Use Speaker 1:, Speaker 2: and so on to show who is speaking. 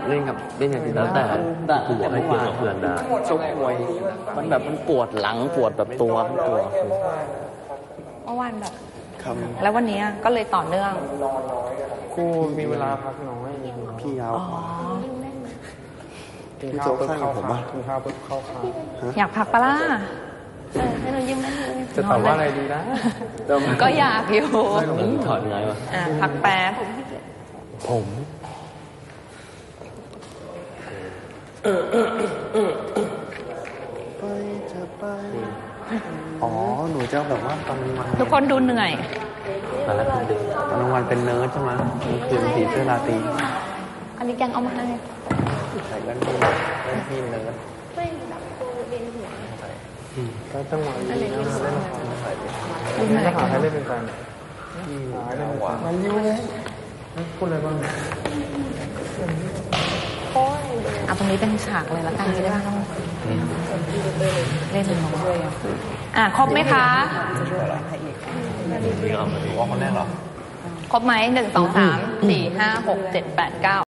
Speaker 1: เล่นกับแล้วแต่กูบอกให้เกี่ยวกับเพื่อนได้ชกมวยมันแบบมันปวดหลังปวดแบบตัว
Speaker 2: เมื่อวานแบบแล้ววันนี้ก็เลยต่อเนื่อง
Speaker 3: กูมีเวลาพักน้อย
Speaker 1: พี่เอา
Speaker 3: กินข้าวปุ๊บเข้าขากินข้าวปุ๊บเข้าขา
Speaker 2: อยากพักปะล่ะให้เรายิ้มได้เลย
Speaker 3: จะตอบว่าอะไรดีนะ
Speaker 2: ก็อยากอยู่
Speaker 1: ถอดไงวะ
Speaker 2: พักแป๊บ
Speaker 1: ผมอ๋อหนูจะแบบว่าตอนวัน
Speaker 2: ทุกคนดูเหนื่อย
Speaker 1: ตอนกลางวันเป็นเนิร์ดใช่ไหมมันคือผีเสื้อราตรี
Speaker 2: อันนี้แกงเอามาให้
Speaker 1: ใส่แว่นพี่เนิร์ด
Speaker 4: ไม่แบบตัวเรียนหัว
Speaker 3: ก็ต้องมาเล่นละครจะหาใครเล่นเป็นแฟนหาเล่นเป็นแฟนมายิ้มเลยพูดอะไรบ้าง
Speaker 2: เอาตรงนี้เป็นฉากเลยละกันได้ป่ะเล่นเป็นน้องครบไหมคะ
Speaker 1: นี่ก็เอามาดูว่าคนแรกเหรอ
Speaker 2: ครบไหม1 2 3 4 5 6 7 8 9